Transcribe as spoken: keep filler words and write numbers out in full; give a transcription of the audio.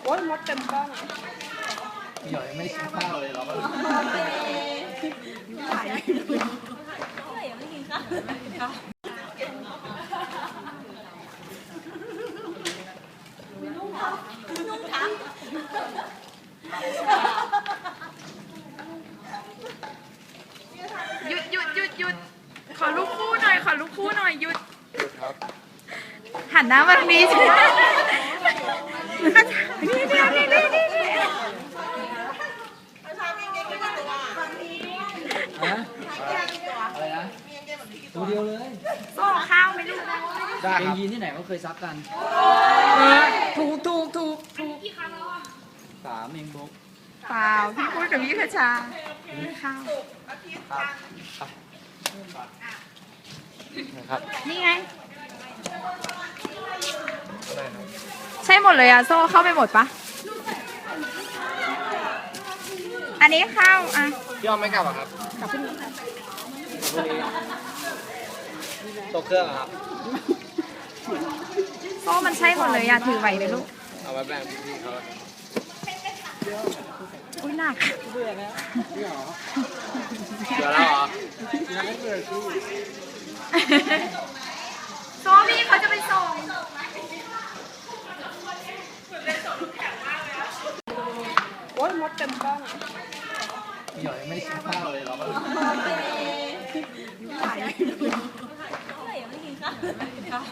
อ้ยมดเต็มกล้องพี่หยอยไม่กินข้าวเลยเหรอถ่ายยังไม่กินข้าวนุ่งทับหยุดหยุดหยุดหยุดขอลูกคู่หน่อยขอลูกคู่หน่อยหยุดหันหน้ามาทางนี้สินี่นี่นี่นี่นี่ฮะอะไรนะตัวเดียวเลยโซ่ข้าวไหมลูกได้ครับยีนที่ไหนก็เคยซักกันถูกถูกถูกถูกสามเองบุ๊กเปล่าพี่พูดกับพี่คชาข้าวครับนี่ไงใช่หมดเลยอะโซ่เข้าไปหมดปะอันนี้ข้าวอะพี่อ้อมไม่กลับอ่ะครับกลับขึ้นตกเครื่องครับโซ่มันใช่หมดเลยอะถือไหวไหมลูกเอาไว้แบ่งพี่เขาอุ้ยหนักเบื่อแล้วเหรอโซ่พี่เขาจะไปส่งโอ้ยมดเต็มกล้องพี่หยอยไม่กินข้าวเลยเหรอถ่ายยังไม่กินข้าว